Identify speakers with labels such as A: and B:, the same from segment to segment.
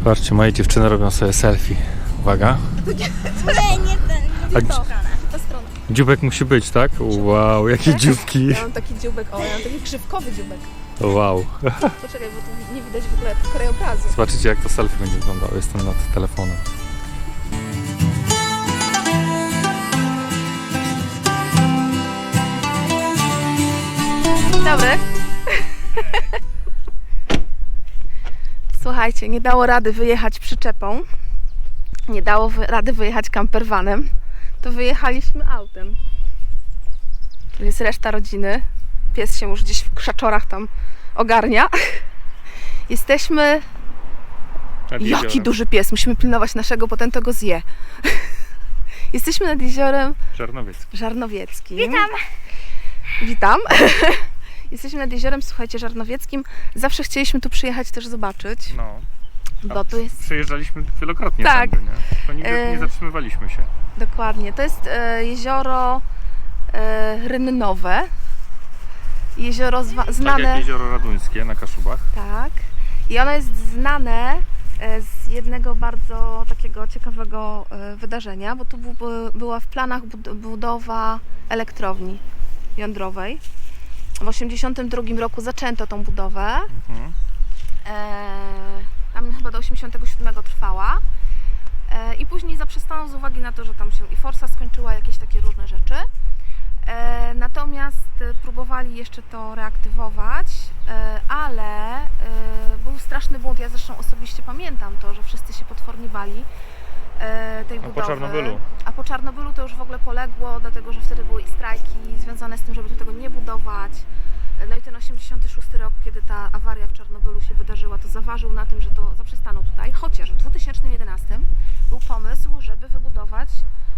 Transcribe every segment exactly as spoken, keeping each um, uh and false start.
A: Zobaczcie, moje dziewczyny robią sobie selfie. Uwaga.
B: Nie, nie ten, nie
A: A
B: tą stronę, ta strona.
A: Dziubek musi być, tak? Wow, jakie dzióbki.
C: Ja mam taki dzióbek, o, ja mam taki grzybkowy dzióbek.
A: Wow.
C: Poczekaj, bo tu nie widać w ogóle krajobrazu.
A: Zobaczycie, jak to selfie będzie wyglądało. Jestem nad telefonem.
C: Dobry. Słuchajcie, nie dało rady wyjechać przyczepą. Nie dało wy- rady wyjechać campervanem. To wyjechaliśmy autem. Tu jest reszta rodziny. Pies się już gdzieś w krzaczorach tam ogarnia. Jesteśmy... Jaki duży pies! Musimy pilnować naszego, bo ten to go zje. Jesteśmy nad jeziorem
A: Żarnowiecki.
C: Żarnowieckim.
B: Witam.
C: Witam. Jesteśmy nad jeziorem, słuchajcie, Żarnowieckim. Zawsze chcieliśmy tu przyjechać też zobaczyć,
A: No.
C: bo tu jest...
A: Przyjeżdżaliśmy wielokrotnie
C: Tak.
A: tędy, nie? Tylko nigdy
C: E,
A: nie zatrzymywaliśmy się.
C: Dokładnie. To jest e, jezioro e, Rynnowe. Jezioro zwa-
A: Tak jak
C: znane...
A: jezioro Raduńskie na Kaszubach.
C: Tak. I ono jest znane e, z jednego bardzo takiego ciekawego e, wydarzenia, bo tu bu- była w planach bud- budowa elektrowni jądrowej. W osiemdziesiątym drugim roku zaczęto tą budowę.
A: Mhm.
C: E, tam chyba do osiemdziesiątego siódmego trwała. E, I później zaprzestano z uwagi na to, że tam się i forsa skończyła, jakieś takie różne rzeczy. E, natomiast e, próbowali jeszcze to reaktywować, e, ale e, był straszny błąd. Ja zresztą osobiście pamiętam to, że wszyscy się potwornie bali e, tej
A: A po
C: budowy.
A: Czarnobylu?
C: A po Czarnobylu to już w ogóle poległo, dlatego że wtedy były i strajki związane z tym, żeby tu tego nie budować. No i ten osiemdziesiąty szósty rok, kiedy ta awaria w Czarnobylu się wydarzyła, to zaważył na tym, że to zaprzestano tutaj. Chociaż w dwa tysiące jedenastym był pomysł, żeby wybudować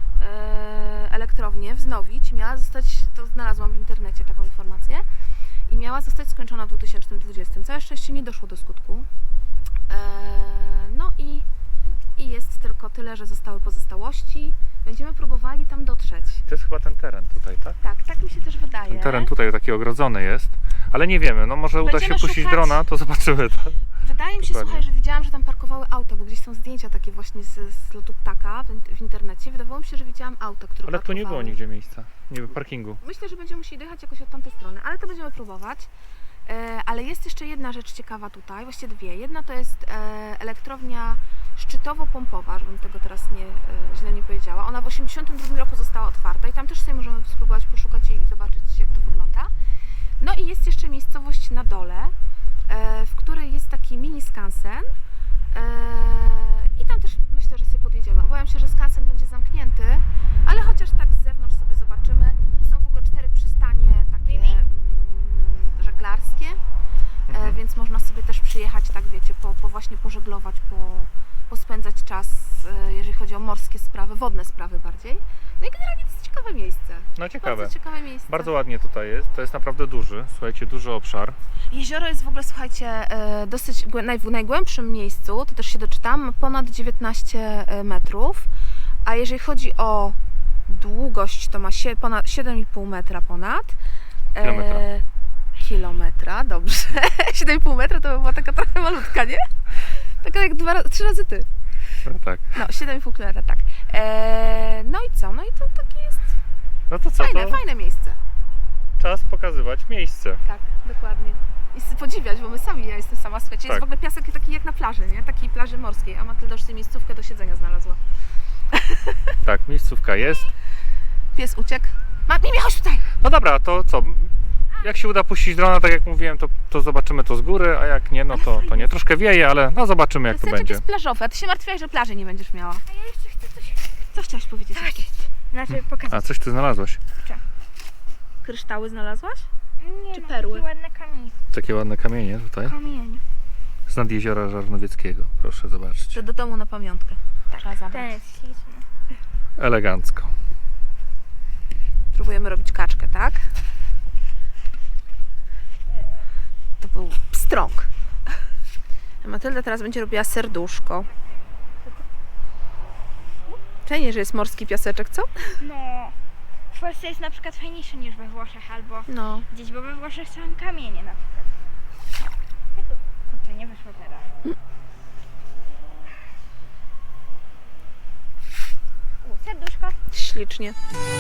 C: e, elektrownię, wznowić. Miała zostać, to znalazłam w internecie taką informację, i miała zostać skończona w dwa tysiące dwudziestym. Całe szczęście nie doszło do skutku. E, no i, i jest tylko tyle, że zostały pozostałości. Będziemy próbowali tam dotrzeć.
A: To jest chyba ten teren tutaj, tak?
C: Tak, tak mi się też wydaje.
A: Ten teren tutaj taki ogrodzony jest, ale nie wiemy, no może uda się
C: Będziemy
A: puścić
C: szukać-
A: drona, to zobaczymy to.
C: Wydaje mi się,
A: Dokładnie.
C: słuchaj, że widziałam, że tam parkowały auta, bo gdzieś są zdjęcia takie właśnie z, z lotu ptaka w, w internecie. Wydawało mi się, że widziałam auta, które
A: Ale tu
C: parkowały.
A: nie było nigdzie miejsca, niby parkingu.
C: Myślę, że będziemy musieli dojechać jakoś od tamtej strony, ale to będziemy próbować. E, ale jest jeszcze jedna rzecz ciekawa tutaj, właściwie dwie. Jedna to jest e, elektrownia szczytowo-pompowa, żebym tego teraz nie, e, źle nie powiedziała. Ona w osiemdziesiątym drugim roku została otwarta i tam też sobie możemy spróbować poszukać jej i zobaczyć, jak to wygląda. No i jest jeszcze miejscowość na dole, e, w której jest taki mini skansen. E, I tam też myślę, że sobie podjedziemy. Obawiam się, że skansen będzie zamknięty, ale chociaż tak z zewnątrz sobie zobaczymy. Tu są w ogóle cztery przystanie takie mm, żeglarskie, e,
A: Mhm.
C: więc można sobie też przyjechać, tak wiecie, po, po właśnie pożeglować, po, pospędzać czas, e, jeżeli chodzi o morskie sprawy, wodne sprawy bardziej. No i generalnie to jest ciekawe miejsce.
A: No ciekawe.
C: Bardzo ciekawe miejsce.
A: Bardzo ładnie tutaj jest, to jest naprawdę duży, słuchajcie, duży obszar.
C: Jezioro jest w ogóle, słuchajcie, e, dosyć głę- naj, w najgłębszym miejscu, to też się doczytam, ma ponad dziewiętnaście metrów, a jeżeli chodzi o długość, to ma sie, ponad siedem i pół metra ponad. E,
A: Kilometra.
C: Kilometra, dobrze. siedem i pół metra to by była taka trochę malutka, nie? Taka jak dwa, trzy razy ty.
A: No tak.
C: No, siedem i pół kilometra, tak. E, no i co? No i to takie jest
A: No to co,
C: fajne,
A: to
C: fajne miejsce.
A: czas pokazywać miejsce.
C: Tak, dokładnie. I s- podziwiać, bo my sami, ja jestem sama, słuchajcie,
A: Tak.
C: jest w ogóle piasek taki jak na plaży, nie? Takiej plaży morskiej, a Matylda już sobie miejscówkę do siedzenia znalazła.
A: Tak, miejscówka jest.
C: Pies uciekł. Ma, Mimi, chodź tutaj!
A: No dobra, to co? Jak się uda puścić drona, tak jak mówiłem, to, to zobaczymy to z góry, a jak nie, no to, to nie. Troszkę wieje, ale no zobaczymy, jak to
C: Piaseczek
A: będzie.
C: jest plażowy, a ty się martwiłaś, że plaży nie będziesz miała.
B: A ja jeszcze chcę coś
C: Co chciałaś powiedzieć jeszcze?
B: znaczy
A: A
B: pokazać.
A: coś ty znalazłaś?
C: Kryształy znalazłaś?
B: Nie,
C: czy
B: no,
C: perły?
B: takie ładne kamienie.
A: Takie ładne kamienie tutaj.
B: Kamienie.
A: Z nad jeziora Żarnowieckiego, proszę zobaczyć.
C: To do domu na pamiątkę. Trzeba
B: Ten
C: zabrać.
B: jest śliczny.
A: Elegancko.
C: Próbujemy robić kaczkę, tak? To był pstrąg. A Matylda teraz będzie robiła serduszko. Fajnie, że jest morski piaseczek, co?
B: No. W Polsce jest na przykład fajniejszy niż we Włoszech albo
C: No.
B: gdzieś, bo we Włoszech są kamienie na przykład. Kurczę, nie wyszło teraz.
C: ślicznie.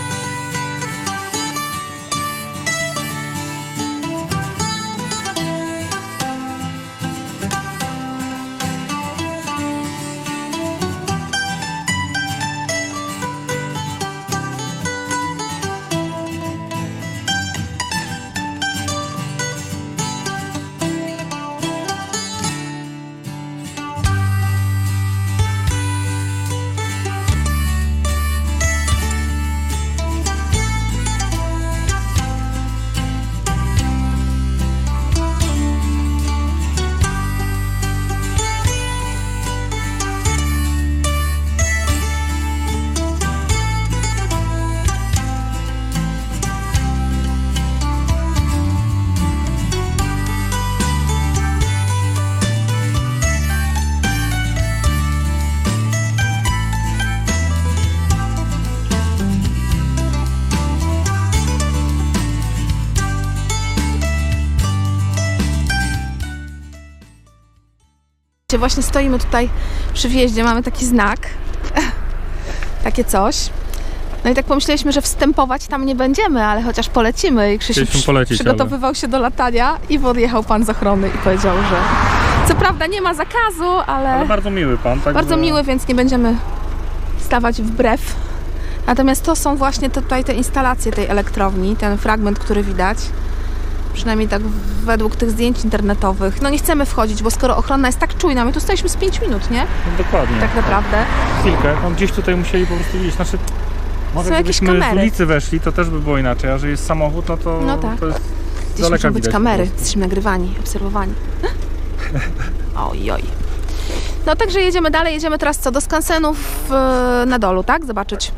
C: Właśnie stoimy tutaj przy wjeździe, mamy taki znak, takie coś. No i tak pomyśleliśmy, że wstępować tam nie będziemy, ale chociaż polecimy. I Krzysiu
A: Chcieliśmy
C: przy,
A: polecieć,
C: przygotowywał się do latania i podjechał pan z ochrony i powiedział, że co prawda nie ma zakazu, ale,
A: Ale bardzo miły pan, tak?
C: bardzo
A: że-
C: miły, więc nie będziemy stawać wbrew. Natomiast to są właśnie te, tutaj te instalacje tej elektrowni, ten fragment, który widać. Przynajmniej tak według tych zdjęć internetowych. No nie chcemy wchodzić, bo skoro ochrona jest tak czujna, my tu staliśmy z pięć minut, nie?
A: No, dokładnie.
C: Tak naprawdę.
A: Chwilkę, tam gdzieś tutaj musieli po prostu iść. Znaczy, może
C: Są jakieś
A: gdybyśmy z
C: kamery.
A: ulicy weszli, to też by było inaczej, a że jest samochód, no to,
C: No tak.
A: to jest z
C: Gdzieś
A: daleka
C: muszą być
A: widać po
C: kamery,
A: prostu.
C: jesteśmy nagrywani, obserwowani. Oj, oj. No także jedziemy dalej, jedziemy teraz co? Do skansenów e, na dolu, tak? Zobaczyć.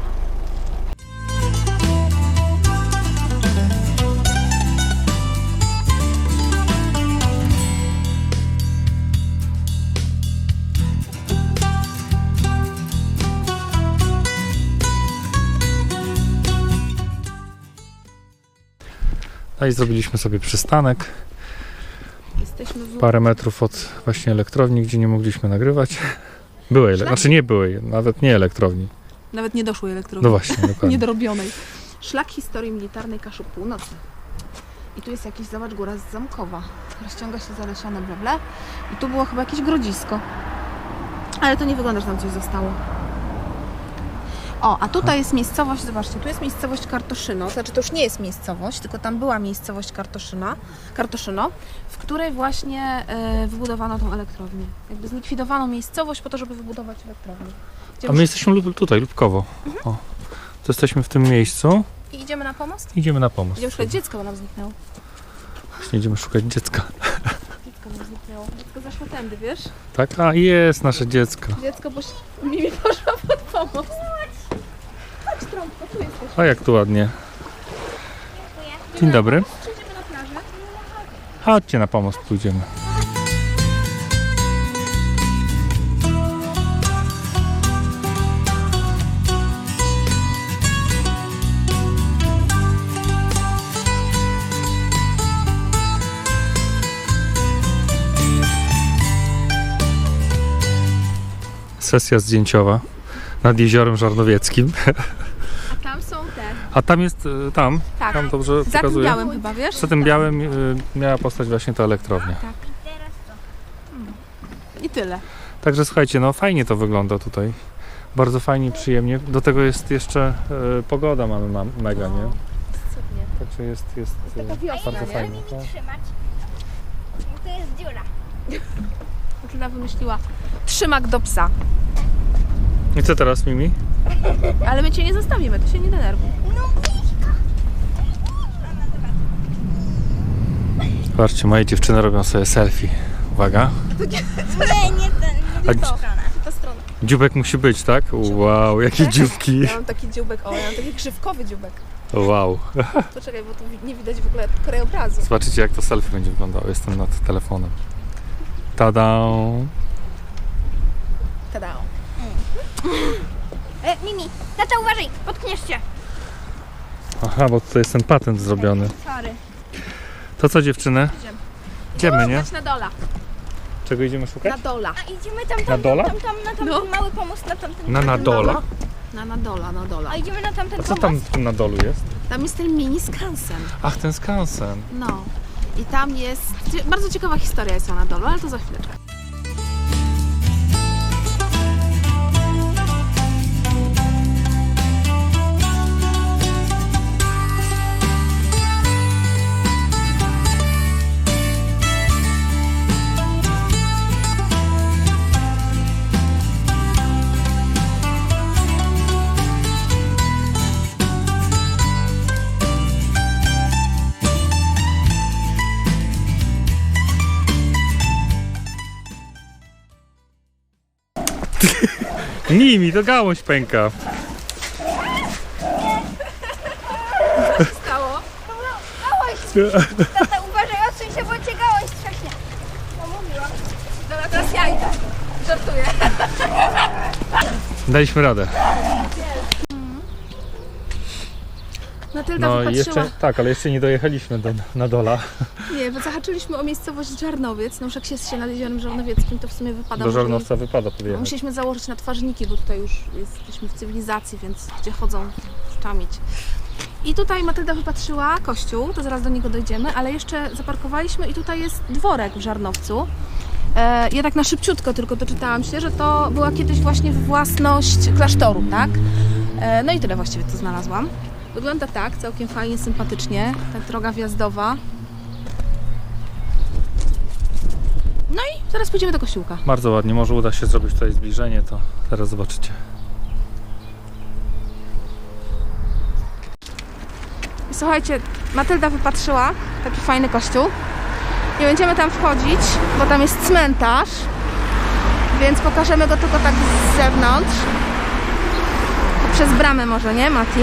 A: No i zrobiliśmy sobie przystanek,
C: Jesteśmy w...
A: parę metrów od właśnie elektrowni, gdzie nie mogliśmy nagrywać. Byłej, ele- znaczy nie byłej, nawet nie elektrowni.
C: Nawet nie doszłej elektrowni.
A: No właśnie, dokładnie.
C: Niedorobionej. Szlak historii militarnej Kaszub Północy. I tu jest jakiś, zobacz, góra z Zamkowa. Rozciąga się zalesione, bla, bla. I tu było chyba jakieś grodzisko. Ale to nie wygląda, że tam coś zostało. O, a tutaj jest miejscowość, zobaczcie, tu jest miejscowość Kartoszyno. Znaczy to już nie jest miejscowość, tylko tam była miejscowość Kartoszyna, Kartoszyno, w której właśnie e, wybudowano tą elektrownię. Jakby zlikwidowano miejscowość po to, żeby wybudować elektrownię. Gdzie
A: A my jesteśmy lub- tutaj, Lubkowo. O, to jesteśmy w tym miejscu
C: I idziemy na pomost?
A: i idziemy na pomost.
C: Idziemy szukać dziecka, bo nam zniknęło.
A: Właśnie idziemy szukać dziecka.
C: Dziecko nam zniknęło. Dziecko zaszło tędy, wiesz?
A: Tak? A jest nasze dziecko.
C: Dziecko, bo się- Mimi poszła pod pomost. Chodź, trąbko, tu jesteś.
A: A jak tu ładnie. Dzień dobry.
C: Przyjdziemy na plażę.
A: Chodźcie na pomost, pójdziemy. Sesja zdjęciowa nad jeziorem Żarnowieckim.
C: A tam są te.
A: A tam jest, y, tam,
C: Tak.
A: tam dobrze
C: Za tym
A: pokazuje.
C: białym chyba, wiesz?
A: Za tym białym y, miała postać właśnie ta elektrownia.
C: Tak. I tyle.
A: Także słuchajcie, no fajnie to wygląda tutaj. Bardzo fajnie, przyjemnie. Do tego jest jeszcze y, pogoda mamy ma, mega, nie?
C: Cudnie.
A: Także jest, jest
C: Taka
A: y,
C: wiosna,
A: bardzo
C: nie?
A: fajnie. tak.
B: Trzymać. Bo to jest dziura.
C: Justyna wymyśliła trzymak do psa.
A: I co teraz, Mimi?
C: Ale my cię nie zostawimy, ty się nie denerwuj.
A: Zobaczcie, moje dziewczyny robią sobie selfie. Uwaga.
B: Nie, nie ten.
A: A
B: Nie
A: dzi-
B: tą stronę.
C: Ta strona.
A: dziubek musi być, tak? Wow, jakie dzióbki.
C: Ja mam taki dzióbek, o, ja mam taki grzywkowy dzióbek.
A: Wow.
C: Poczekaj, bo tu wi- nie widać w ogóle krajobrazu.
A: Zobaczycie, jak to selfie będzie wyglądało. Jestem nad telefonem. Tada!
C: Tada.
B: E, Mimi, tata uważaj, potkniesz się.
A: Aha, bo tutaj jest ten patent zrobiony.
B: Sorry.
A: To co, dziewczyny?
C: Idziemy.
A: Idziemy, nie?
C: Chodź na dola.
A: Czego idziemy szukać?
C: Na dola.
B: A idziemy tam, tam,
A: Na dola?
B: tam, tam, na tamten
C: No.
B: mały pomysł, na tamten
A: Na
B: mały-
A: Nadola?
C: Na Nadola, Nadola.
B: A idziemy na tamten
A: A co
B: pomost?
A: tam na dolu jest?
C: Tam jest ten mini skansen.
A: Ach, ten skansen.
C: No. I tam jest... Bardzo ciekawa historia jest o Nadolu, ale to za chwileczkę.
A: Nimi, to gałąź pęka.
C: Stało?
B: Gałąź! Tata, uważaj, odsuń się, bo cię gałąź strzechnie. No mówiłam.
C: Dobra, teraz ja idę. Żartuję.
A: Daliśmy radę.
C: Matylda
A: No i
C: wypatrzyła...
A: jeszcze, tak, ale jeszcze nie dojechaliśmy do Nadola.
C: Nie, bo zahaczyliśmy o miejscowość Żarnowiec. No już jak jest się nad jeziorem Żarnowieckim, to w sumie wypada...
A: Do
C: że-
A: Żarnowca wypada
C: No,
A: podjechać.
C: musieliśmy założyć na twarzniki, bo tutaj już jesteśmy w cywilizacji, więc gdzie chodzą szczamić. I tutaj Matylda wypatrzyła kościół, to zaraz do niego dojdziemy, ale jeszcze zaparkowaliśmy i tutaj jest dworek w Żarnowcu. E, ja tak na szybciutko tylko doczytałam się, że to była kiedyś właśnie własność klasztoru, tak? E, no i tyle właściwie co znalazłam. Wygląda tak, całkiem fajnie, sympatycznie, ta droga wjazdowa. No i zaraz pójdziemy do kościółka.
A: Bardzo ładnie, może uda się zrobić tutaj zbliżenie, to teraz zobaczycie.
C: Słuchajcie, Matylda wypatrzyła taki fajny kościół. Nie będziemy tam wchodzić, bo tam jest cmentarz, więc pokażemy go tylko tak z zewnątrz. Przez bramę może, nie, Mati?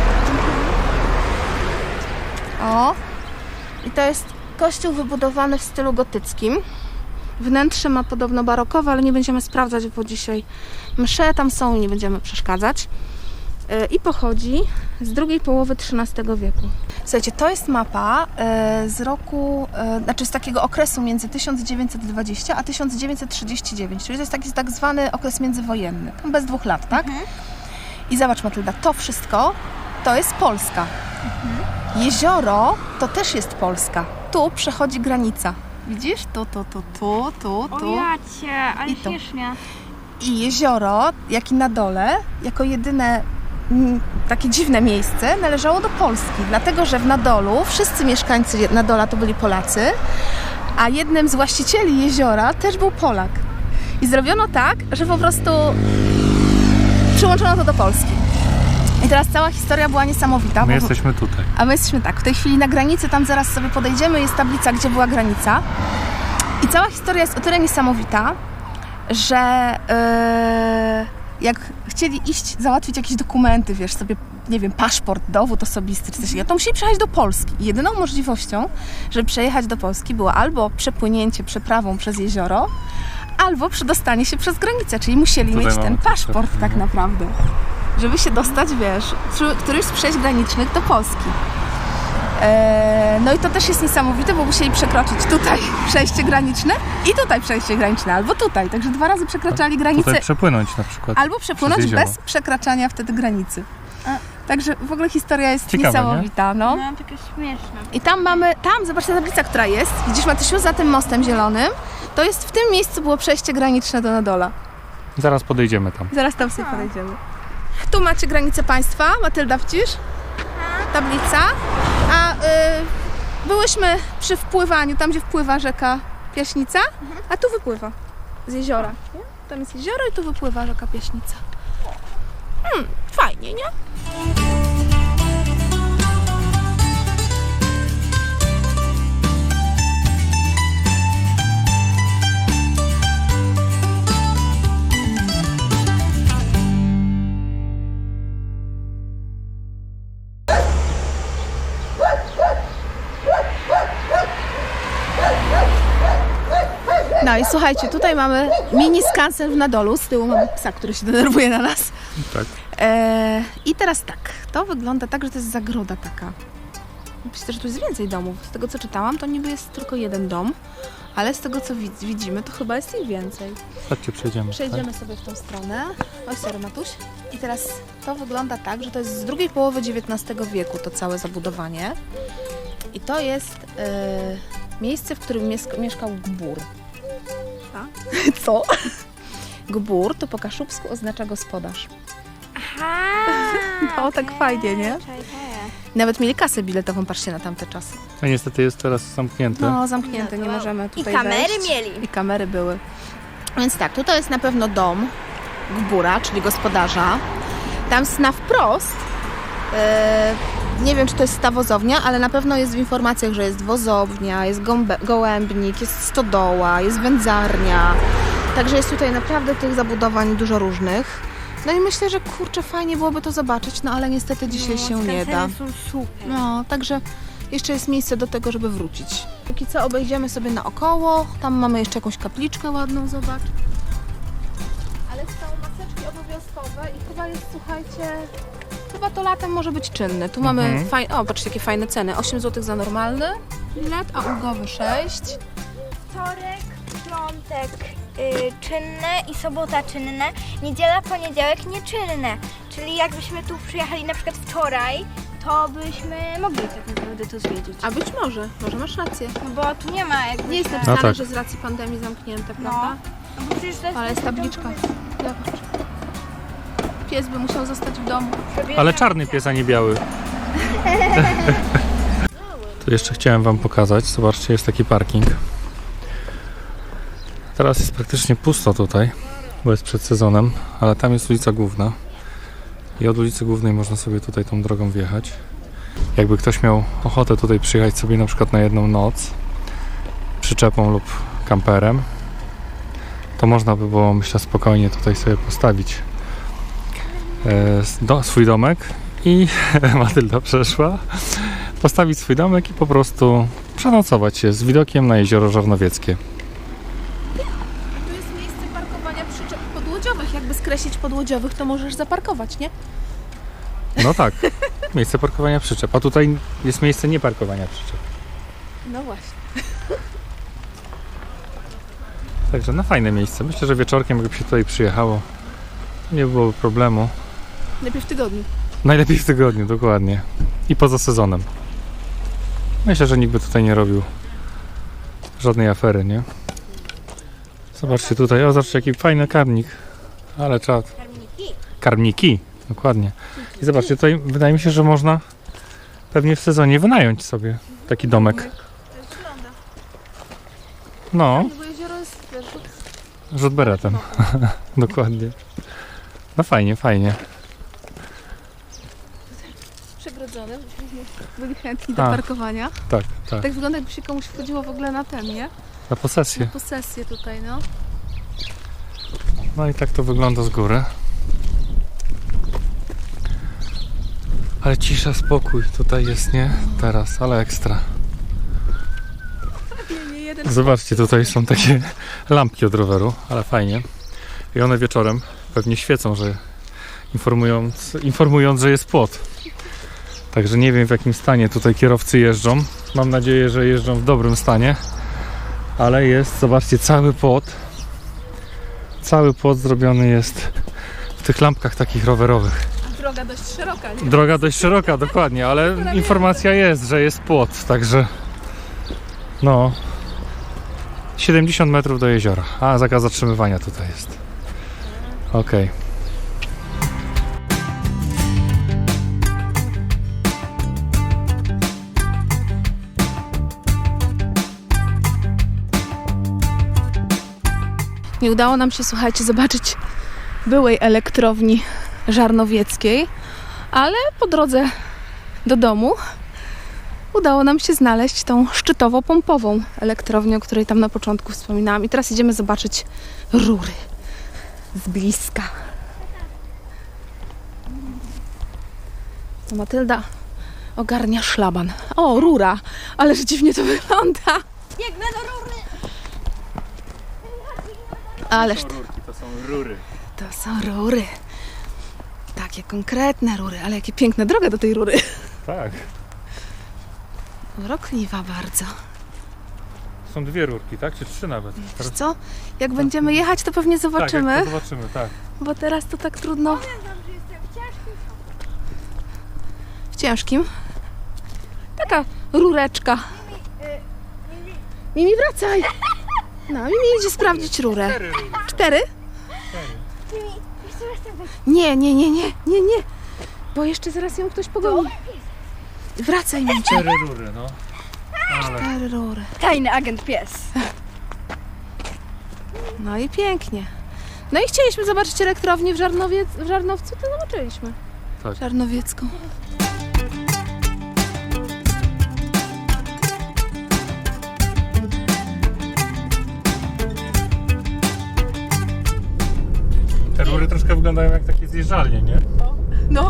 C: O! I to jest kościół wybudowany w stylu gotyckim. Wnętrze ma podobno barokowe, ale nie będziemy sprawdzać, bo dzisiaj msze tam są i nie będziemy przeszkadzać. I pochodzi z drugiej połowy trzynastego wieku. Słuchajcie, to jest mapa e, z roku, e, znaczy z takiego okresu między tysiąc dziewięćset dwadzieścia a tysiąc dziewięćset trzydzieści dziewięć, czyli to jest taki tak zwany okres międzywojenny, tam bez dwóch lat, tak?
B: Mhm.
C: I zobacz, Matylda, to wszystko to jest Polska. Jezioro to też jest Polska. Tu przechodzi granica. Widzisz? Tu, tu, tu, tu, tu,
B: O
C: tu.
B: jacie, ale
C: I to.
B: śmiesznie.
C: I jezioro, jak i na dole, jako jedyne mm, takie dziwne miejsce, należało do Polski. Dlatego, że w Nadolu wszyscy mieszkańcy Nadola to byli Polacy, a jednym z właścicieli jeziora też był Polak. I zrobiono tak, że po prostu przyłączono to do Polski. I teraz cała historia była niesamowita.
A: My
C: bo-
A: jesteśmy tutaj.
C: a my jesteśmy tak, w tej chwili na granicy, tam zaraz sobie podejdziemy, jest tablica, gdzie była granica. I cała historia jest o tyle niesamowita, że yy, jak chcieli iść, załatwić jakieś dokumenty, wiesz, sobie, nie wiem, paszport, dowód osobisty czy coś takiego, to musieli przejechać do Polski. I jedyną możliwością, żeby przejechać do Polski było albo przepłynięcie przeprawą przez jezioro, albo przedostanie się przez granicę, czyli musieli
A: Tutaj
C: mieć
A: mamy
C: ten
A: to
C: paszport
A: przepływ,
C: tak
A: no.
C: naprawdę, żeby się dostać, wiesz, przy którymś z przejść granicznych do Polski. Eee, no i to też jest niesamowite, bo musieli przekroczyć tutaj przejście graniczne i tutaj przejście graniczne, albo tutaj, także dwa razy przekraczali granicę,
A: Tutaj przepłynąć na przykład.
C: albo przepłynąć
A: jezioro.
C: bez przekraczania wtedy granicy.
B: A.
C: Także w ogóle historia jest
A: Ciekawe,
C: niesamowita, no.
B: No, takie śmieszne.
C: I tam mamy, tam, zobacz ta tablica, która jest, widzisz, Matysiu, za tym mostem zielonym, to jest w tym miejscu było przejście graniczne do Nadola.
A: Zaraz podejdziemy tam.
C: Zaraz tam sobie podejdziemy. Tu macie granicę państwa, Matylda, widzisz? Tablica. A y, byłyśmy przy wpływaniu, tam gdzie wpływa rzeka Piaśnica, a tu wypływa z jeziora. Nie? Tam jest jezioro i tu wypływa rzeka Piaśnica. Hmm, fajnie, nie? No i słuchajcie, tutaj mamy mini skansen w Nadolu, z tyłu mamy psa, który się denerwuje na nas.
A: Tak.
C: Eee, I teraz tak, to wygląda tak, że to jest zagroda taka. Myślę, że tu jest więcej domów. Z tego co czytałam, to niby jest tylko jeden dom, Ale z tego co widz- widzimy, to chyba jest ich więcej.
A: Chodźcie, przejdziemy.
C: Przejdziemy sobie w tą stronę. Oj, sorry, Matuś. I teraz to wygląda tak, że to jest z drugiej połowy dziewiętnastego wieku to całe zabudowanie. I to jest e, miejsce, w którym mies- mieszkał Gbur. A? Co? Gbur to po kaszubsku oznacza gospodarz.
B: Aha!
C: No, tak fajnie, nie?
B: Czaj, czaj.
C: Nawet mieli kasę biletową, patrzcie na tamte czasy.
A: A niestety jest teraz zamknięte.
C: No, zamknięte,
B: No
C: nie
B: to-
C: możemy
B: I
C: tutaj
B: kamery
C: wejść.
B: mieli.
C: I kamery były. Więc tak, tutaj jest na pewno dom Gbura, czyli gospodarza. Tam na wprost, e, nie wiem czy to jest ta wozownia, ale na pewno jest w informacjach, że jest wozownia, jest gąbe, gołębnik, jest stodoła, jest wędzarnia. Także jest tutaj naprawdę tych zabudowań dużo różnych. No i myślę, że kurczę, fajnie byłoby to zobaczyć, no ale niestety dzisiaj się nie da.
B: są super.
C: No, także jeszcze jest miejsce do tego, żeby wrócić. Póki co obejdziemy sobie naokoło. Tam mamy jeszcze jakąś kapliczkę ładną, zobacz. Ale są maseczki obowiązkowe i chyba jest, słuchajcie, chyba to latem może być czynny. Tu mamy
A: Mhm.
C: fajne, o patrzcie jakie fajne ceny. osiem złotych za normalny bilet, a ulgowy sześć.
B: Wtorek, piątek y, czynne i sobota czynne, niedziela, poniedziałek nieczynne. Czyli jakbyśmy tu przyjechali na przykład wczoraj, to byśmy mogli tak naprawdę to zwiedzić.
C: A być może, może masz rację.
B: No bo tu nie ma jakby...
C: Nie jest
B: że-
C: napisane,
A: tak.
C: że z racji pandemii zamknięte,
B: No.
C: prawda?
B: No bo przecież to jest...
C: Ale jest tabliczka. Zobacz. Pies by musiał zostać w domu.
A: Ale czarny pies, a nie biały. Tu jeszcze chciałem wam pokazać. Zobaczcie, jest taki parking. Teraz jest praktycznie pusto tutaj, bo jest przed sezonem, ale tam jest ulica Główna. I od ulicy Głównej można sobie tutaj tą drogą wjechać. Jakby ktoś miał ochotę tutaj przyjechać sobie na przykład na jedną noc przyczepą lub kamperem, to można by było, myślę, spokojnie tutaj sobie postawić e, do, swój domek i Matylda przeszła, postawić swój domek i po prostu przenocować się z widokiem na jezioro Żarnowieckie.
C: Tu jest miejsce parkowania przyczep podłodziowych. Jakby skreślić podłodziowych, to możesz zaparkować, nie?
A: No tak, miejsce parkowania przyczep, a tutaj jest miejsce nie parkowania przyczep.
C: No właśnie.
A: Także no fajne miejsce. Myślę, że wieczorkiem jakby się tutaj przyjechało, nie byłoby problemu.
C: Lepiej w tygodniu.
A: Najlepiej w tygodniu, dokładnie. I poza sezonem. Myślę, że nikt by tutaj nie robił żadnej afery, nie? Zobaczcie tutaj, o zobaczcie jaki fajny karmnik. Ale czad.
B: Karmniki.
A: Karmniki, dokładnie. I zobaczcie, tutaj wydaje mi się, że można pewnie w sezonie wynająć sobie taki domek.
C: To jest wygląda.
A: No,
C: Bo jezioro jest wiesz,
A: rzut beretem. Dokładnie. No fajnie, fajnie.
C: przegrodzone. Byli chętni do
A: A.
C: parkowania.
A: Tak, tak.
C: Tak wygląda, jakby się komuś wchodziło w ogóle na ten, nie?
A: Na
C: Na
A: posesję.
C: posesję tutaj, no.
A: No i tak to wygląda z góry. Ale cisza, spokój tutaj jest, nie? Teraz, ale ekstra.
C: Nie, nie jeden.
A: Zobaczcie, tutaj są takie lampki od roweru, ale fajnie. I one wieczorem pewnie świecą, że informując, informując, że jest płot. Także nie wiem w jakim stanie tutaj kierowcy jeżdżą. Mam nadzieję, że jeżdżą w dobrym stanie. Ale jest, zobaczcie, cały płot. Cały płot zrobiony jest w tych lampkach takich rowerowych.
C: Droga dość szeroka, nie?
A: Droga dość szeroka, dokładnie, ale informacja jest, że jest płot, także no siedemdziesiąt metrów do jeziora, a zakaz zatrzymywania tutaj jest. Okej.
C: Nie udało nam się, słuchajcie, zobaczyć byłej elektrowni żarnowieckiej, ale po drodze do domu udało nam się znaleźć tą szczytowo-pompową elektrownię, o której tam na początku wspominałam. I teraz idziemy zobaczyć rury z bliska. To Matylda ogarnia szlaban. O, rura! Ależ dziwnie to wygląda.
B: Biegnę do rury!
C: Ależ
A: To są rury.
C: to są rury. Takie konkretne rury, ale jakie piękna droga do tej rury.
A: Tak.
C: Urokliwa bardzo.
A: są dwie rurki, tak? Czy trzy nawet?
C: Wiesz
A: Teraz...
C: co? Jak będziemy jechać, to pewnie zobaczymy,
A: Tak, jak to zobaczymy, tak.
C: bo teraz to tak trudno.
B: Powiem wam, że jestem w ciężkim szoku.
C: W ciężkim. Taka rureczka.
B: Mimi, y, Mimi,
C: Mimi, wracaj! No, Mimi idzie sprawdzić rurę.
A: Cztery rury.
C: Cztery?
A: Cztery.
B: Mimi, jeszcze raz tak weź.
C: Nie, nie, nie, nie, nie, nie. Bo jeszcze zaraz ją ktoś pogoni. Wracaj, Mimi.
A: Cztery rury, no. Ale
C: Cztery rury.
B: Tajny agent pies.
C: No i pięknie. No i chcieliśmy zobaczyć elektrownię w, Żarnowiec, w Żarnowcu, to zobaczyliśmy.
A: Tak.
C: Żarnowiecką.
A: te rury troszkę wyglądają jak takie zjeżdżalnie, nie?
C: No.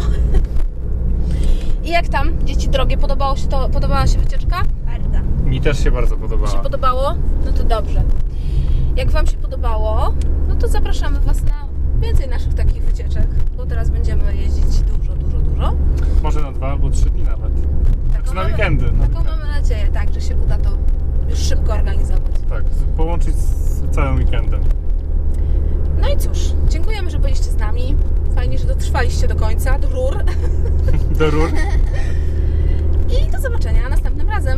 C: I jak tam, dzieci drogie, podobało się to, podobała się wycieczka?
B: Bardzo.
A: Mi też się bardzo
C: Się
A: podobała.
C: podobało? No to dobrze. Jak Wam się podobało, no to zapraszamy Was na więcej naszych takich wycieczek, bo teraz będziemy jeździć dużo, dużo, dużo.
A: Może na dwa albo trzy dni nawet. Znaczy na
C: mamy-
A: weekendy. Na
C: Taką
A: weekendy.
C: mamy nadzieję, tak, że się uda to już szybko organizować.
A: Tak, z- połączyć z całym weekendem.
C: No i cóż, dziękujemy, że byliście z nami. Fajnie, że dotrwaliście do końca, do rur.
A: Do rur.
C: I do zobaczenia następnym razem.